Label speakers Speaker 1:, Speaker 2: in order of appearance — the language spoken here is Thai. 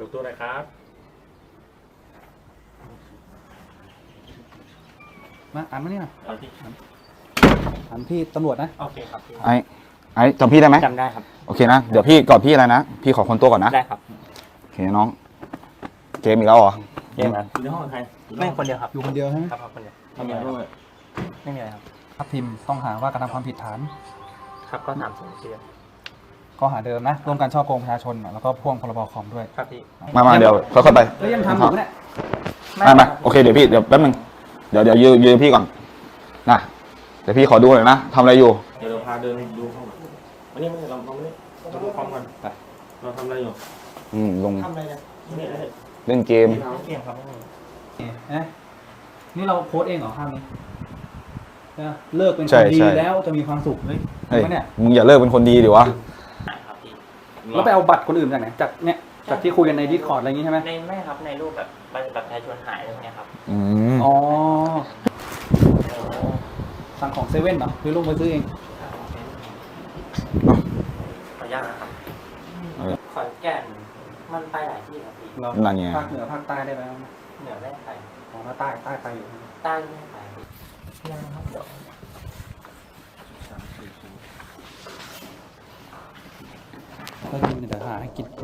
Speaker 1: กตัวหน่อยครับ
Speaker 2: มาอ่านมานี่หน่อย
Speaker 1: เอาที่
Speaker 2: อ่านพี่ตำรวจนะ
Speaker 1: โอเคครับ
Speaker 3: ไอ้จำพี่ได้ไหม
Speaker 1: จำได้ครับ
Speaker 3: โอเคนะเดี๋ยวพี่ก่อนพี่อะไรนะพี่ขอคนตัวก่อนนะ
Speaker 1: ได้ครับ
Speaker 3: โอเคน้องเกมอีกแล้วเหรอ
Speaker 1: เกมอยู่ในห้องใครไม่คนเดียวครับ
Speaker 2: อยู่คนเดียวใช่ไหม
Speaker 1: ครับคนเดียวไม่มีอะไรครับไม่มีอะไรครับ
Speaker 2: ครับทีมต้องหาว่ากระทำความผิดฐาน
Speaker 1: ครับก็3-2 เดือน
Speaker 2: ข้อหาเดิมนะร่วมกันช่อโกงประชาชนแล้วก็พ่วงพรบคอมด้วย
Speaker 1: ครับพี่
Speaker 3: มาเดี๋ยวค่อยๆไป
Speaker 2: แล้วยังทำอยู่เนี่ย
Speaker 3: ไม่โอเคเดี๋ยวพี่เดี๋ยวแป๊บนึงเดี๋ยวยืนพี่ก่อนนะเดี๋ยวพี่ขอดูหน่อยนะทำอะไรอยู่
Speaker 1: เดี๋ยวเราพาเดินดูห้องวันนี้เราไม่ได้เราดูพร้อมกันไปเราทำอะไรอยู่
Speaker 3: ลง
Speaker 1: ทำอะไรเนี่ยไม่ได้
Speaker 3: เล่นเกม
Speaker 1: เกมครับ
Speaker 2: นี่เราโพสเองเหรอภาพนี้เลิกเป็นค
Speaker 3: ใช่
Speaker 2: นดี
Speaker 3: ใช่
Speaker 2: แล้วจะมีความสุขเฮ้ย
Speaker 3: เฮ้ย
Speaker 2: วะเนี่ย
Speaker 3: มึงอย่าเลิกเป็นคนดีดิวะ
Speaker 1: ครับพี่
Speaker 2: แล้วไปเอาบัตรคนอื่นจากไหนจากเนี่ยจากที่คุยกันในดิสคอร์ดอะไรอย่างงี้ใช่ไหม
Speaker 1: ในไม่ครับในรูปแบบประชาชนหายอะไรเงี้ยครับ
Speaker 2: อ๋อสั่งของเซเว่นเหรอหรือลงไปซื้อเอง
Speaker 1: ขออนุญาตนะครับขอนแก่นมันไปหลายที่ครับพี่
Speaker 2: เรา
Speaker 3: นั่นไง
Speaker 2: ภาคเหนือภาคใต้ได้ไหม
Speaker 1: เหนือไม่ได้ไป
Speaker 2: อ๋อแล้วใต้ไปอยู่
Speaker 1: ใต้ไม่ได้ไปยังครับเดี๋ยว
Speaker 2: ก็ยืนเดี๋ยวหาให้กิน